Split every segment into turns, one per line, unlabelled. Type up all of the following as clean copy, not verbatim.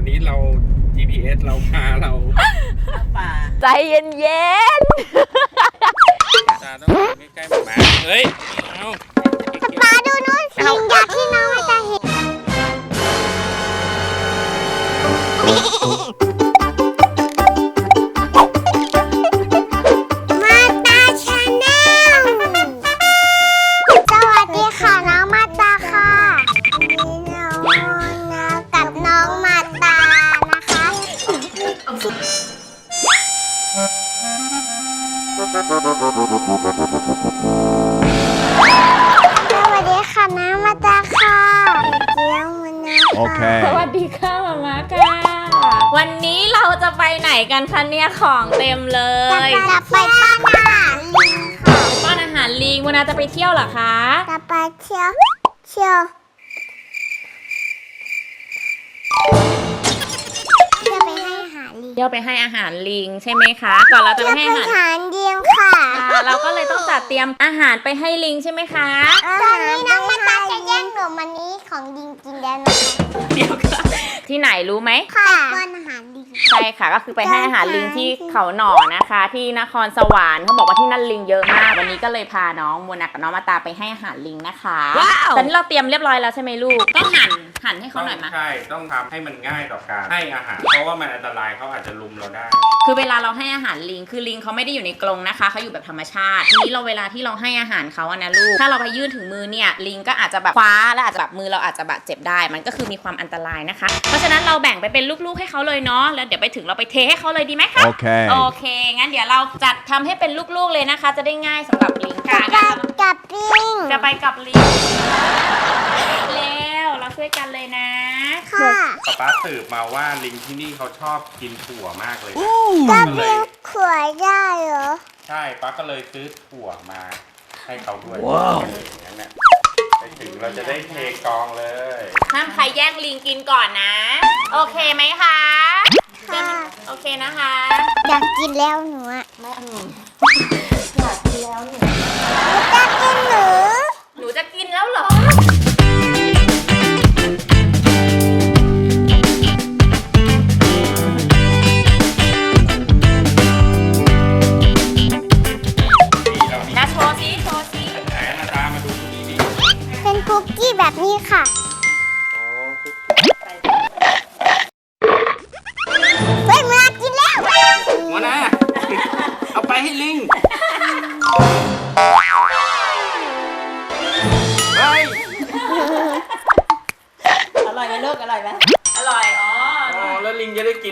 นี้เรา GPS เราพาเรา
ป่า
ใจเย็น
ตาต้องใกล้ๆหมาเฮ้ยเอา
มาดูนู่นสิอยากที่น้องไม่จะเห็นมาตาชาแนลสวัสดีค่ะน้องมาตาค่ะนี่น้องนะกับน้องมาตานะคะสวัสดีค่ะน้ำมาตาค่ะเจียวมันนะ
โอเค
ๆสวัสดีค่ะมาม่าค่ะวันนี้เราจะไปไหนกันคะเนี่ยของเต็มเลย
จะไปป้อนอาหารลิงค่ะ
ป้อนอาหารลิงวันนาจะไปเที่ยวเหรอคะ
จะไปเที่ยวไปให้อาหารลิง
เที่ยวไปให้อาหารลิงใช่ไหมคะก่อนเราจะ
เที่ยว
ไป
ไป
ให้อาหาร
หารเดียงค่ะ
เราก็เลยต้องจัดเตรียมอาหารไปให้ลิงใช่ไหมคะ
ตอนนี้น้องมาตาจะแย่งหนูมันนี้ของลิงกินแล้วนะคะ
เดี๋ยวค่ะที่ไหนรู้ไหม
ค่ะป้อนอาหารลิง
ใช่ค่ะก็คือไปให้อาหารลิงที่เขาหน่อนะคะ ที่นครสวรรค์เขาบอกว่าที่นั่นลิงเยอะมากวันนี้ก็เลยพาน้องโมนากับน้องมาตาไปให้อาหารลิงนะคะตอนนี้เราเตรียมเรียบร้อยแล้วใช่ไหมลูกต้องหั่นให้เขาหน่อยมั้ย
ใช่ต้องทำให้มันง่ายต่อการให้อาหารเพราะว่ามันอันตรายเขาอาจจะลุมเราได้
คือเวลาเราให้อาหารลิงคือลิงเขาไม่ได้อยู่ในกรงนะคะเขาอยู่แบบธรรมชาติทีนี้เราเวลาที่เราให้อาหารเขาอะนะลูกถ้าเราไปยื่นถึงมือเนี่ยลิงก็อาจจะแบบคว้าและอาจจะแบบมือเราอาจจะบาดเจ็บได้มันก็คือมีความอันตรายนะคะเพราะฉะนั้นเราแบ่งไปเป็นลูกๆให้เขาเลยเนาะแล้วเดี๋ยวไปถึงเราไปเทให้เขาเลยดีไหมคะ
Okay.
โอเค งั้นเดี๋ยวเราจัดทำให้เป็นลูกๆเลยนะคะ จะได้ง่ายสำหรับลิง
จะ
ค่ะ
ไปกับลิง
จะไปกับลิงแล้วเราช่วยกันเลยนะ
ค่ะ
ป๊าสืบมาว่าลิงที่นี่เขาชอบกินถั่วมากเลย
กับลิงขวดได้เหรอ
ใช่ป๊าก็เลยซื้อถั่วมาให้เขาด้วย
ว้าว
อย่างนั้นน่ะไปถึงเราจะได้เทกองเลย
ห้ามใครแย่งลิงกินก่อนนะ โอเคไหมคะ
ค่ะ
โอเคนะคะ
อยากกินแล้วหนูอะ
ไม่เอาอยากกินแล้วหนู
จะกินหนู
หนูจะกินแล้วเหรอ
นี่เรามี
นะโชว์สิโชว์สิ
ไหนหน้าตามาดูตรงนี้ดิ
เป็นคุกกี้แบบนี้ค่ะ
อ๋อ
เฮ้ยมากินแล้ว
หัวหน้าเอาไปให้ลิงเฮ้ย
อร่อยไหมลูกอร่อยไหม
อร่อยอ๋อ
อ๋อแล้วลิงจะได้กิน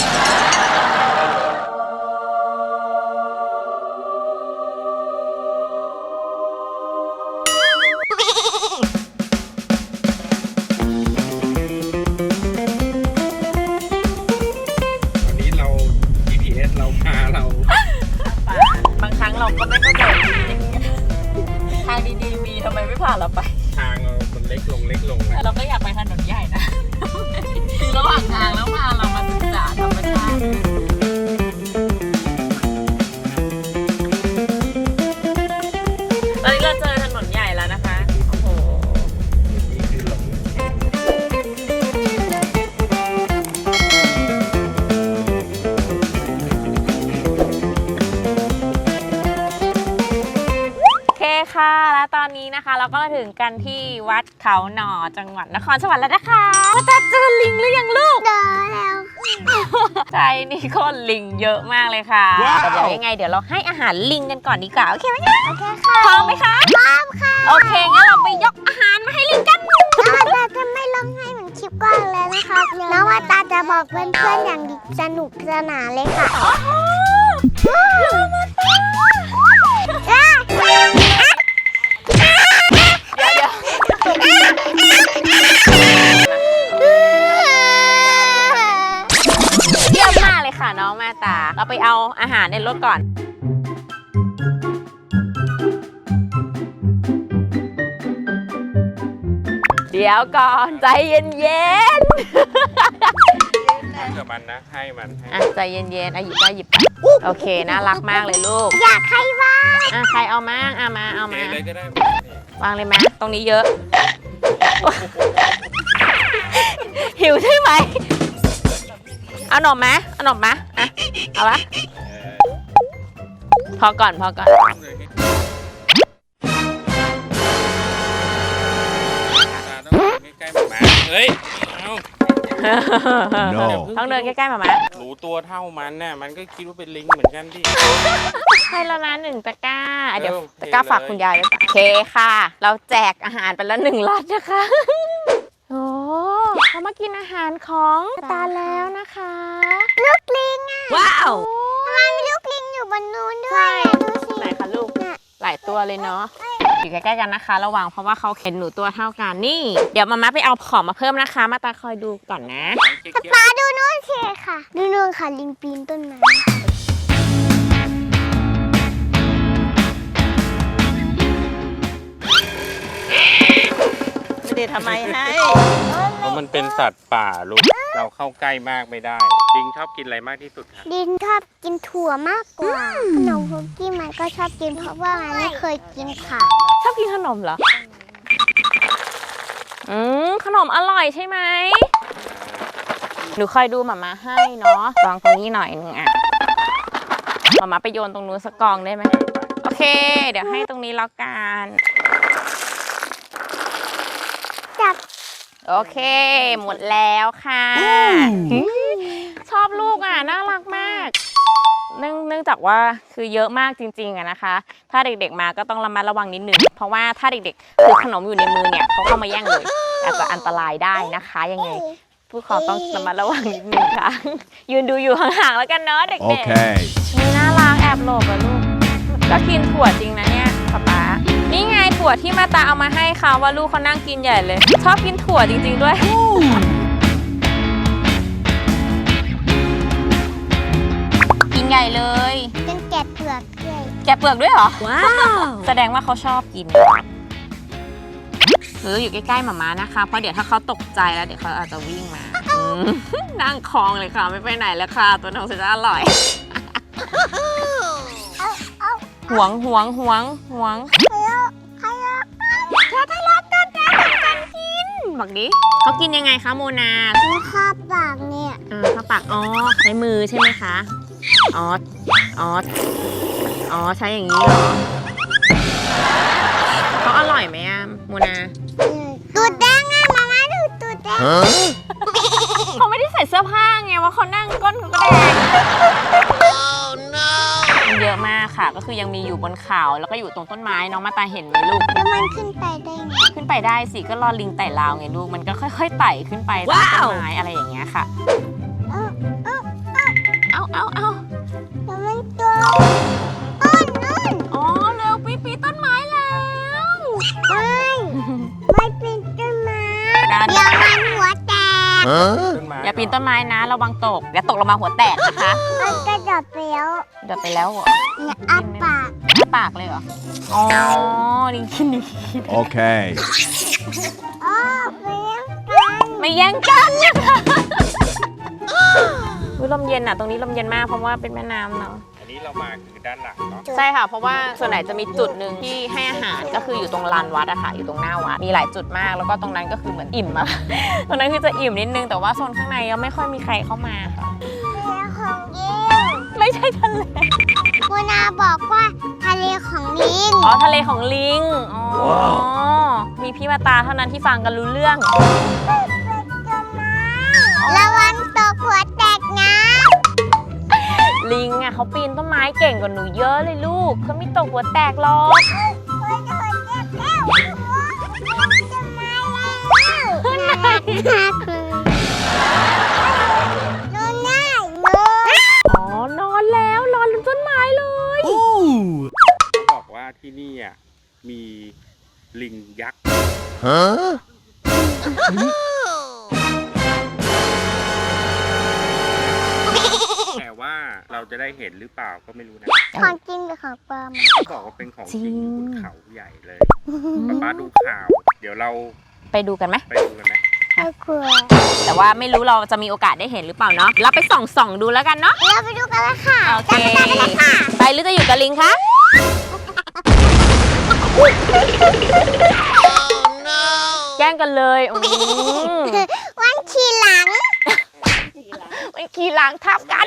วันนี้เรา GPS เราพาเรา
บางครั้งเราก็ไม่เข้าใจทางดีๆมีทำไมไม่พาเราไป
ทางมันเล็กลงเล็กลงนะ
เราก็อยากไปถนนใหญ่นะ คือระหว่างทางแล้วพาเรามาศึกษาธรรมชาติตอนนี้เราเจอถนนใหญ่แล้วนะคะ โอ้โห
นี่คือหลง
โอเคค่ะ แล้วตอนนี้นะคะ เราก็มาถึงกันที่วัดเขาหน่อจังหวัดนครสวรรค์แล้วนะคะว่าจะเจอลิงหรือยังลูก
เดินแล้ว
ใช่นี่คนลิงเยอะมากเลยค่ะ
ว้าว
แต่เดี๋ยวยังไงเดี๋ยวเราให้อาหารลิงกันก่อนดีกว่าโอเคไหมคะ
โอเคค่ะ
พร้อมไหมคะ
พร้อมค่ะ
โอเคงั้นเราไปยกอาหารมาให้ลิงกัน
น้องมาตาจะไม่ร้องไห้เหมือนคลิปก่อนเลยนะคะน้องมาตาจะบอกเพื่อนๆอย่างสนุกสนานเลยค่ะ
เยี่ยมมากเลยค่ะน้องมาตา เราไปเอาอาหารในรถก่อน เดี๋ยวก่อนใจเย็น
ให้กับมันนะ ให้มันให้
ๆอ่ะใจเย็นๆอ่ะหยิบไปหยิบไปโอเคน่ารักมากเลยลูก
อยากให้ว่า
อ่ะใครเอามาเอามาเอา
เท
มา
เลยก็ได้
วางเลยไหมตรงนี้เยอะ หิวใช่ไหมเอาหนมไหมเอาหนมไหมอ่ะเอาปะพอก่อน
ต้องใกล้ๆหมาเฮ้ยเอา
ต้องเดินใกล้ๆมาไหม
รู้ตัวเท่ามันน่ะมันก็คิดว่าเป็นลิงเหมือนกันดิ
ให้แล้วนะ1 ตะกร้าเดี๋ยว
โอเค
ตะกร้าฝากคุณยายด้วยจ้ะโอเคค่ะ เราแจกอาหารไปแล้ว1 ล็อตนะคะโอ้เขามากินอาหารของตาแล้วนะคะ
ลูกลิงอ่ะ
ว้าว
ทำไมมีลูกลิงอยู่บนนู้นด้วยอ่ะดูสิ
ไหนคะลูกหลายตัวเลยเนาะอยู่ใกล้ๆกันนะคะ ระวังเพราะว่าเขาเข็นหนูตัวเท่ากันนี่ เดี๋ยวมาม่าไปเอาของมาเพิ่มนะคะ มาตาคอยดูก่อนนะ
ป้าดูนู้นสิค่ะดูนู้นค่ะลิงปีนต้นไม้
ไม่ได้ทำไมให้
เพราะมันเป็นสัตว์ป่าลูกเราเข้าใกล้มากไม่ได้ลิงชอบกินอะไรมากที่สุดครับ
ดินชอบกินถั่วมากกว่าขนมคุกกี้มันก็ชอบกินเพราะว่ามันไม่เคยกินค่ะ
ชอบกินขนมเหรอขนมอร่อยใช่ไหมหนูคอยดูหมาม่าให้เนาะวางตรงนี้หน่อยนึงอ่ะหมาม่าไปโยนตรงนู้นสักกองได้ไหมโอเค เดี๋ยวให้ตรงนี้แล้วกัน
จับ
โอเคหมดแล้วค่ะชอบลูกอ่ะน่ารักมากเนื่องจากว่าคือเยอะมากจริงๆอะนะคะ ถ้าเด็กๆมาก็ต้องระมัดระวังนิดนึงเพราะว่าถ้าเด็กๆถือขนมอยู่ในมือเนี่ยเขาเข้ามาแย่งเลยอาจจะอันตรายได้นะคะยังไงผู้ปกครองต้องระมัดระวังนิดนึงค่ะ ยืนดูอยู่ห่างๆแล้วกันเนาะเด็กๆ
Okay.
นี่น่ารักแอบหลบอะลูกก็กินถั่วจริงนะเนี่ยป๊านี่ไงถั่วที่มาตาเอามาให้เขาว่าลูกเขานั่งกินใหญ่เลย ชอบกินถั่วจริงๆด้วยกินใหญ่เลย
เป็นแกะเปลือกด้วย
แกะเปลือกด้วยเหรอว้าวแสดงว่าเขาชอบกินอยู่ใกล้ๆหมาม้านะคะเพราะเดี๋ยวถ้าเขาตกใจแล้วเดี๋ยวเขาอาจจะวิ่งมานั่งคลองเลยค่ะไม่ไปไหนแล้วค่ะตัวน้องจะอร่อยหวงเธอทะเลาะกันกินบอกดิเขากินยังไงคะโมนา
แล้วคาบปากเนี่ย
เข้าปากใช้มือใช่ไหมคะอ๋อใช้อย่างนี้เหรอเขาอร่อยไหมอะโมนา
ตูดแดงอ่ะมาม่าดูตูดแดง
Huh?
เขาไม่ได้ใส่เสื้อผ้าไงว่าเขานั่งก้นเขาก็แดงมันเยอะมากค่ะก็คือยังมีอยู่บนเขาแล้วก็อยู่ตรงต้นไม้น้องมาตาเห็นไหมลูก
แล้วมันขึ้นไปได้ไง
ขึ้นไปได้สิก็รอลิงไต่ราวไงลูกมันก็ค่อยๆไต่ขึ้นไปตามต้นไม้อะไรอย่างเงี้ยค่ะเอา
แล้วมันตัวนู่น
อ๋อเร็วปีต้นไม้แล้ว
ไม่เป็นต้นไม้
การ
เดี๋ยวมันหัวแตก
Huh?
ต้นไม้
อย่าปีนต้นไม้นะระวังตกอย่าตกลงมาหัวแตกนะคะ
มันกระโดดไปแล้ว
เดี๋ยวไปแล้วเหรอ
เนี่ยอ้าปาก
อ้าปากเลยเหรออ๋อลิงกิน
Okay.
อ๋อไปแล้วกัน
ไม่แย่งกันนะคะลมเย็นอ่ะตรงนี้ลมเย็นมากเพราะว่าเป็นแม่น้ำเนาะ
อันนี้เรามาคือด้านหลังเนาะ
ใช่ค่ะเพราะว่าส่วนไหนจะมีจุดหนึ่งที่ให้อาหารก็คืออยู่ตรงลานวัดอะค่ะอยู่ตรงหน้าวัดมีหลายจุดมากแล้วก็ตรงนั้นก็คือเหมือนอิ่มอะ ตรงนั้นคือจะอิ่มนิดนึงแต่ว่าโซนข้างในก็ไม่ค่อยมีใครเข้ามาค่ะ
ทะเลของยิง
ไม่ใช่ทะเล
โมนาบอกว่าทะเลของลิง
อ๋อทะเลของลิงอ๋อมีพี่มาตาเท่านั้นที่ฟังกันรู้เรื่อง
ระวังตกหัวแตกนะ
ลิงอะเขาปีนต้นไม้เก่งกว่าหนูเยอะเลยลูกเขาไม่ตกหัวแตกหรอก
น่ารักมากเลยนอนง่ายเลย
อ๋อนอนแล้วนอนบนต้นไม้เลย
เขาบอกว่าที่นี่อ่ะมีลิงยักษ์
Huh?
แต่ว่าเราจะได้เห็นหรือเปล่าก็ไม่รู้นะ
ของจริงหรือของปลอม
เขาบอกว่าเป็นของจริงอยู่บนเขาใหญ่เลยป๊าดูข่าว เดี๋ยวเรา
ไปดูกันไหม
ไปดูกันไหม
ไม่กลัว
แต่ว่าไม่รู้เราจะมีโอกาสได้เห็นหรือเปล่าเนาะเราไปส่องดูแล้วกันเนาะ
เราไปดูกันเลยค่ะ
โอเคไปหรือจะอยู่กับลิงคะแย่งกันเลย
วันขี่หลัง
ไม่ขี่หลังทับกัน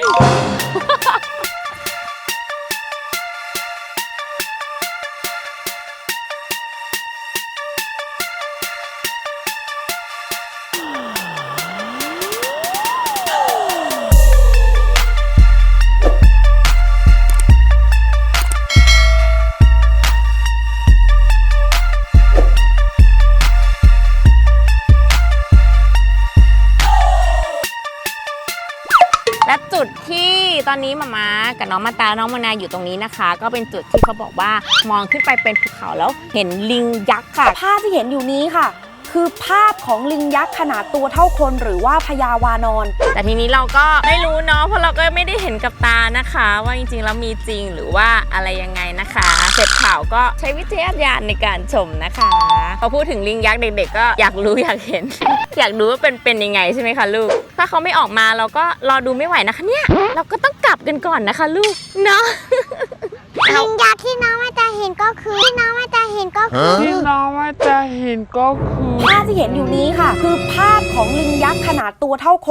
และจุดที่ตอนนี้มาม่ากับน้องมาตาน้องมานาอยู่ตรงนี้นะคะ ก็เป็นจุดที่เขาบอกว่ามองขึ้นไปเป็นภูเขาแล้วเห็นลิงยักษ์ค่ะ
ภาพที่เห็นอยู่นี้ค่ะ คือภาพของลิงยักษ์ขนาดตัวเท่าคนหรือว่าพญาวานอน
แต่ทีนี้เราก็ไม่รู้เนาะเพราะเราก็ไม่ได้เห็นกับตานะคะ ว่าจริงๆแล้วมีจริงหรือว่าอะไรยังไงนะคะเสพข่าวก็ใช้วิจารณญาณในการชมนะคะพอพูดถึงลิงยักษ์เด็กๆก็อยากรู้อยากเห็น อยากรู้ว่าเป็นยังไงใช่ไหมคะลูกถ้าเขาไม่ออกมาเราก็รอดูไม่ไหวนะคะเนี่ยเราก็ต้องกลับกันก่อนนะคะลูกเนาะ
ลิงยักษ์ที่น้องมาตาเห็นก็คือที่น้องมาตาเห็นก็คือ
ที่น้องว่าจะเห็นก็คือ
ภาพที่เห็นอยู่นี้ค่ะ คือภาพของลิงยักษ์ขนาดตัวเท่าคน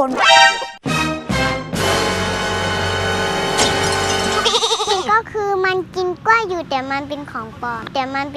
ก็คือมันกินกล้วยอยู่แต่มันเป็นของปลอม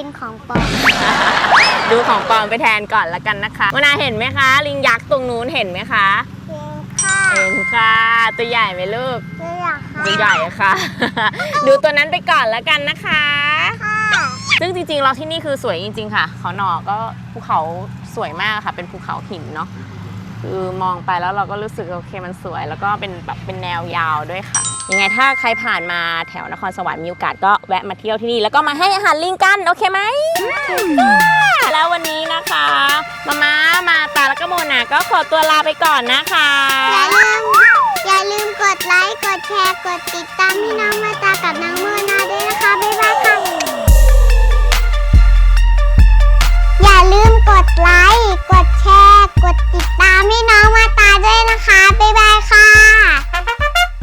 ดูของปลอมไปแทนก่อนละกันนะคะวนาเห็นไหมคะลิงยักษ์ตรงนู้นเห็นไหมคะ
เห็นค่ะ
เห็นค่ะตัวใหญ่ไหมลูก
เลือกค่ะ
ตัวใหญ่ค่ะ ดูตัวนั้นไปก่อนละกันนะคะ
ค่ะ
ซึ่งจริงๆเราที่นี่คือสวยจริงๆค่ะเขาหนอก็ภูเขาสวยมากค่ะเป็นภูเขาหินเนาะคือมองไปแล้วเราก็รู้สึกโอเคมันสวย แล้วก็เป็นแบบเป็นแนวยาวด้วยค่ะยังไงถ้าใครผ่านมาแถวนครสวรรค์มีโอกาสก็แวะมาเที่ยวที่นี่แล้วก็มาให้อาหารลิงกันโอเคไหมแล้ววันนี้นะคะมาตาแล้วก็โมนาก็ขอตัวลาไปก่อนนะคะ
อย่าลืมกดไลค์ กดแชร์ กดติดตามให้น้อง